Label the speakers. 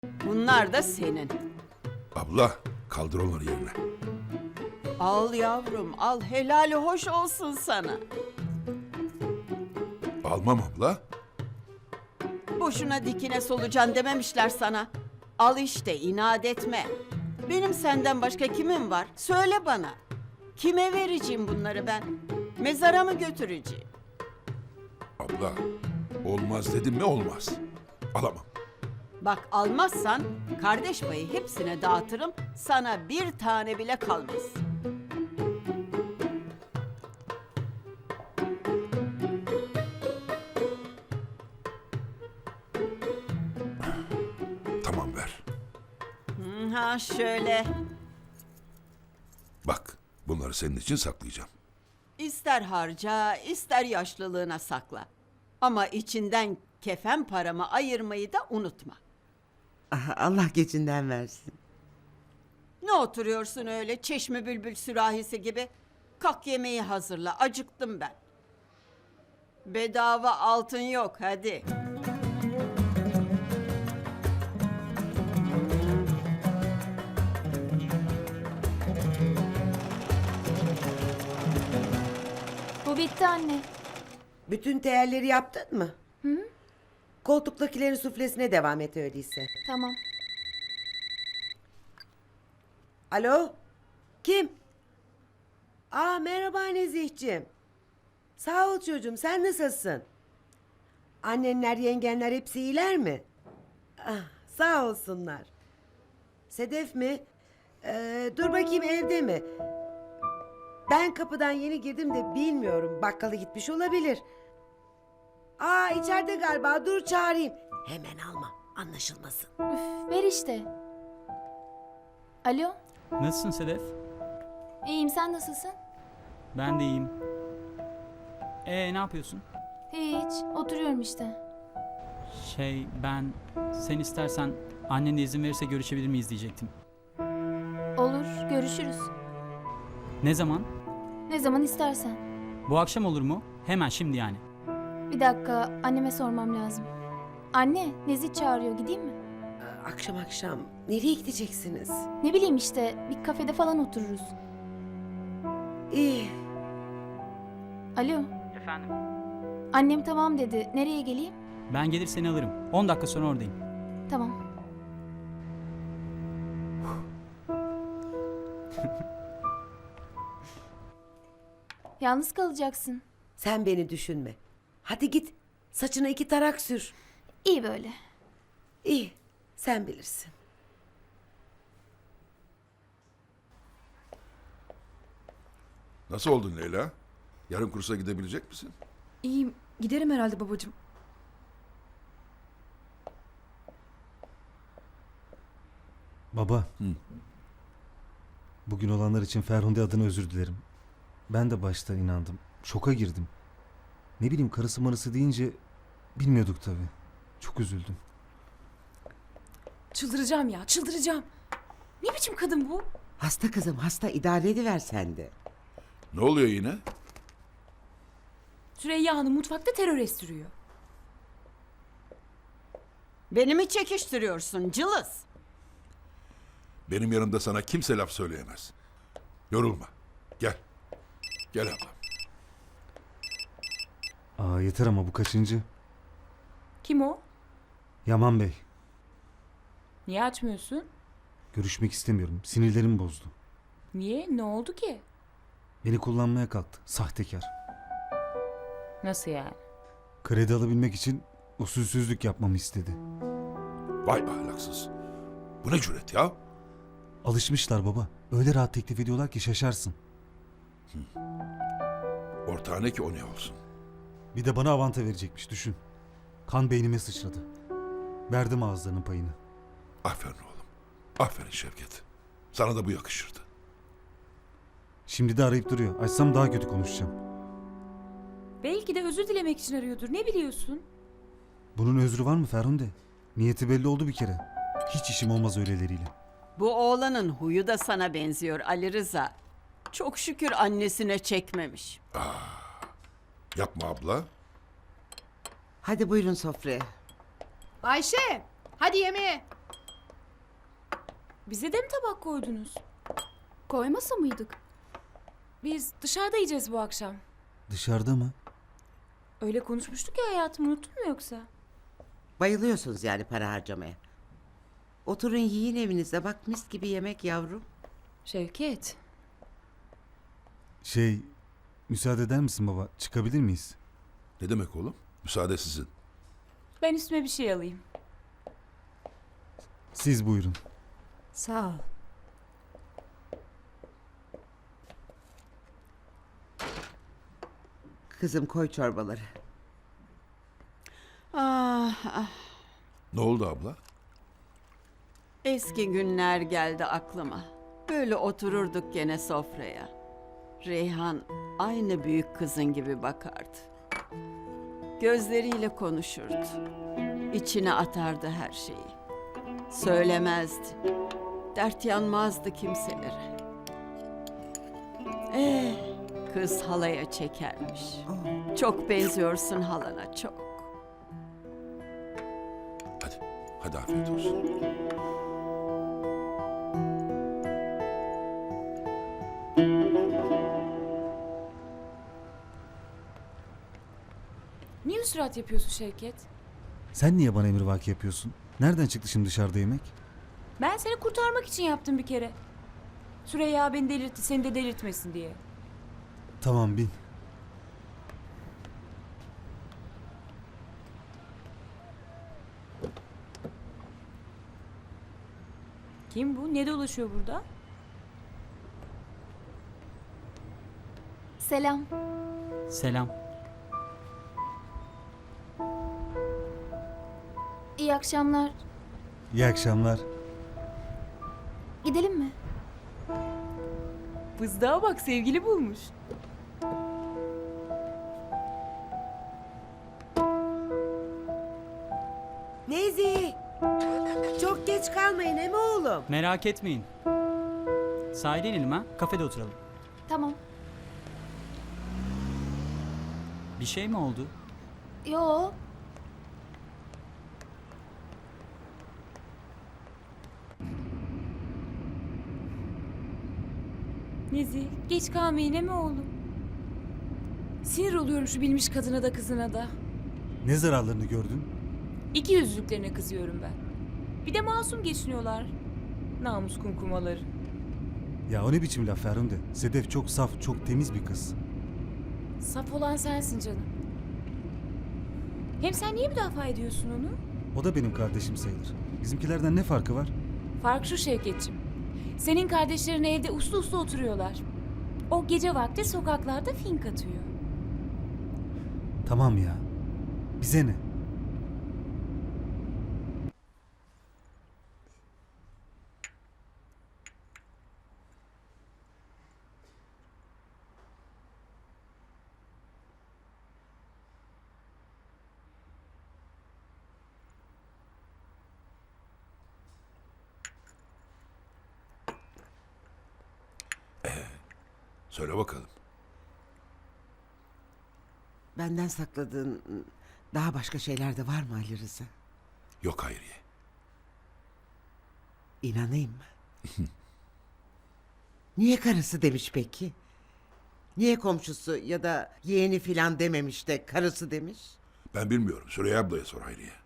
Speaker 1: Bunlar da senin.
Speaker 2: Abla kaldır onları yerine.
Speaker 1: Al yavrum al, helali hoş olsun sana.
Speaker 2: Almam abla.
Speaker 1: Boşuna dikine solucan dememişler sana. Al işte, inat etme. Benim senden başka kimim var? Söyle bana. Kime vereceğim bunları ben? Mezara mı götüreceğim?
Speaker 2: Abla olmaz dedim mi olmaz. Alamam.
Speaker 1: Bak almazsan kardeş payı hepsine dağıtırım. Sana bir tane bile kalmaz.
Speaker 2: Tamam ver.
Speaker 1: Ha şöyle.
Speaker 2: Bak bunları senin için saklayacağım.
Speaker 1: İster harca, ister yaşlılığına sakla. Ama içinden kefen paramı ayırmayı da unutma.
Speaker 3: Aha, Allah geçinden versin.
Speaker 1: Ne oturuyorsun öyle çeşme bülbül sürahisi gibi? Kalk yemeği hazırla, acıktım ben. Bedava altın yok, hadi.
Speaker 4: Bu bitti anne.
Speaker 3: Bütün değerleri yaptın mı? Hı. Koltuktakilerin suflesine devam et öyleyse.
Speaker 4: Tamam.
Speaker 3: Alo? Kim? Aa merhaba Nezihciğim. Sağ ol çocuğum, sen nasılsın? Annenler, yengenler hepsi iyiler mi? Ah, sağ olsunlar. Sedef mi? Dur bakayım evde mi? Ben kapıdan yeni girdim de bilmiyorum. Bakkala gitmiş olabilir. Aa içeride galiba, dur çağırayım. Hemen alma, anlaşılmasın.
Speaker 4: Üf, ver işte. Alo,
Speaker 5: Nasılsın Sedef?
Speaker 4: iyiyim, sen nasılsın?
Speaker 5: Ben de iyiyim. Ne yapıyorsun?
Speaker 4: Hiç, oturuyorum işte.
Speaker 5: Ben sen istersen annen de izin verirse görüşebilir miyiz diyecektim.
Speaker 4: Olur, görüşürüz.
Speaker 5: Ne zaman?
Speaker 4: Ne zaman istersen.
Speaker 5: Bu akşam olur mu? Hemen şimdi yani.
Speaker 4: Bir dakika, anneme sormam lazım. Anne, Nezih çağırıyor, gideyim mi?
Speaker 3: Akşam akşam nereye gideceksiniz?
Speaker 4: Ne bileyim işte, bir kafede falan otururuz.
Speaker 3: İyi.
Speaker 4: Alo,
Speaker 5: Efendim?
Speaker 4: annem tamam dedi. Nereye geleyim?
Speaker 5: Ben gelir seni alırım. 10 dakika sonra oradayım.
Speaker 4: Tamam. Yalnız kalacaksın.
Speaker 3: Sen beni düşünme. Hadi git, saçına 2 tarak sür.
Speaker 4: İyi böyle.
Speaker 3: İyi, sen bilirsin.
Speaker 2: Nasıl oldun Leyla? Yarın kursa gidebilecek misin?
Speaker 6: İyiyim. Giderim herhalde babacığım.
Speaker 7: Baba. Bugün olanlar için Ferhunde adına özür dilerim. Ben de başta inandım. Şoka girdim. Ne bileyim karısı marısı deyince bilmiyorduk tabii. Çok üzüldüm.
Speaker 6: Çıldıracağım ya, çıldıracağım. Ne biçim kadın bu?
Speaker 3: Hasta kızım, hasta, idare ediver sen de.
Speaker 2: Ne oluyor yine?
Speaker 6: Süreyya Hanım mutfakta terör estiriyor.
Speaker 1: Beni mi çekiştiriyorsun cılız?
Speaker 2: Benim yanımda sana kimse laf söyleyemez. Yorulma. Gel. Gel ablam.
Speaker 7: Aa yeter ama bu kaçıncı?
Speaker 6: Kim o?
Speaker 7: Yaman Bey.
Speaker 6: Niye açmıyorsun?
Speaker 7: Görüşmek istemiyorum. Sinirlerim bozdu.
Speaker 6: Niye? Ne oldu ki?
Speaker 7: Beni kullanmaya kalktı. Sahtekar.
Speaker 6: Nasıl yani?
Speaker 7: Kredi alabilmek için usulsüzlük yapmamı istedi.
Speaker 2: Vay ahlaksız. Bu ne cüret ya?
Speaker 7: Alışmışlar baba. Öyle rahat teklif ediyorlar ki şaşarsın.
Speaker 2: Ortağı ne ki o ne olsun?
Speaker 7: Bir de bana avanta verecekmiş düşün. Kan beynime sıçradı. Verdim ağızlarının payını.
Speaker 2: Aferin oğlum. Aferin Şevket. Sana da bu yakışırdı.
Speaker 7: Şimdi de arayıp duruyor. Açsam daha kötü konuşacağım.
Speaker 6: Belki de özür dilemek için arıyordur. Ne biliyorsun?
Speaker 7: Bunun özrü var mı Ferhunde? Niyeti belli oldu bir kere. Hiç işim olmaz öyleleriyle.
Speaker 1: Bu oğlanın huyu da sana benziyor Ali Rıza. Çok şükür annesine çekmemiş.
Speaker 2: Yapma abla.
Speaker 3: Hadi buyurun sofraya.
Speaker 8: Ayşe, hadi yemeğe.
Speaker 6: Bize de mi tabak koydunuz?
Speaker 4: Koymasa mıydık?
Speaker 6: Biz dışarıda yiyeceğiz bu akşam.
Speaker 7: Dışarıda mı?
Speaker 6: Öyle konuşmuştuk ya hayatım, unuttun mu yoksa?
Speaker 3: Bayılıyorsunuz yani para harcamaya. Oturun yiyin evinizde, bak mis gibi yemek yavrum.
Speaker 6: Şevket.
Speaker 7: Müsaade eder misin baba? Çıkabilir miyiz?
Speaker 2: Ne demek oğlum? Müsaade sizin.
Speaker 6: Ben üstüme bir şey alayım.
Speaker 7: Siz buyurun.
Speaker 3: Sağ ol. Kızım koy çorbaları.
Speaker 1: Ah, ah.
Speaker 2: Ne oldu abla?
Speaker 1: Eski günler geldi aklıma. Böyle otururduk gene sofraya. Reyhan aynı büyük kızın gibi bakardı. Gözleriyle konuşurdu. İçine atardı her şeyi. Söylemezdi. Dert yanmazdı kimselere. Kız halaya çekermiş. Çok benziyorsun halana, çok.
Speaker 2: Hadi afiyet olsun.
Speaker 6: Niye surat yapıyorsun Şevket?
Speaker 7: Sen niye bana emrivaki yapıyorsun? Nereden çıktı şimdi dışarıda yemek?
Speaker 6: Ben seni kurtarmak için yaptım bir kere. Süreyya beni delirtti, seni de delirtmesin diye.
Speaker 7: Tamam bin.
Speaker 6: Kim bu? Ne dolaşıyor burada?
Speaker 4: Selam.
Speaker 5: Selam.
Speaker 4: İyi akşamlar.
Speaker 7: İyi akşamlar.
Speaker 4: Gidelim mi?
Speaker 6: Fızdığa bak, sevgili bulmuş.
Speaker 3: Nezi! Çok geç kalmayın he mi oğlum?
Speaker 5: Merak etmeyin. Sahile inelim ha. Kafede oturalım.
Speaker 4: Tamam.
Speaker 5: Bir şey mi oldu?
Speaker 4: Yo.
Speaker 6: Nezi, geç kalma yine mi oğlum? Sinir oluyorum şu bilmiş kadına da kızına da.
Speaker 7: Ne zararlarını gördün?
Speaker 6: İki yüzlüklerine kızıyorum ben. Bir de masum geçiniyorlar. Namus kumkumaları.
Speaker 7: Ya o ne biçim laf Ferhunde? Sedef çok saf, çok temiz bir kız.
Speaker 6: Saf olan sensin canım. Hem sen niye müdafaa ediyorsun onu?
Speaker 7: O da benim kardeşim sayılır. Bizimkilerden ne farkı var?
Speaker 6: Fark şu Şevketçim. Senin kardeşlerin evde uslu uslu oturuyorlar. O gece vakti sokaklarda fink atıyor.
Speaker 7: Tamam ya. Bize ne?
Speaker 2: Söyle bakalım.
Speaker 3: Benden sakladığın daha başka şeyler de var mı Ali Rıza?
Speaker 2: Yok Hayriye.
Speaker 3: İnanayım mı? Niye karısı demiş peki? Niye komşusu ya da yeğeni filan dememiş de karısı demiş?
Speaker 2: Ben bilmiyorum. Süreyya ablaya sor Hayriye.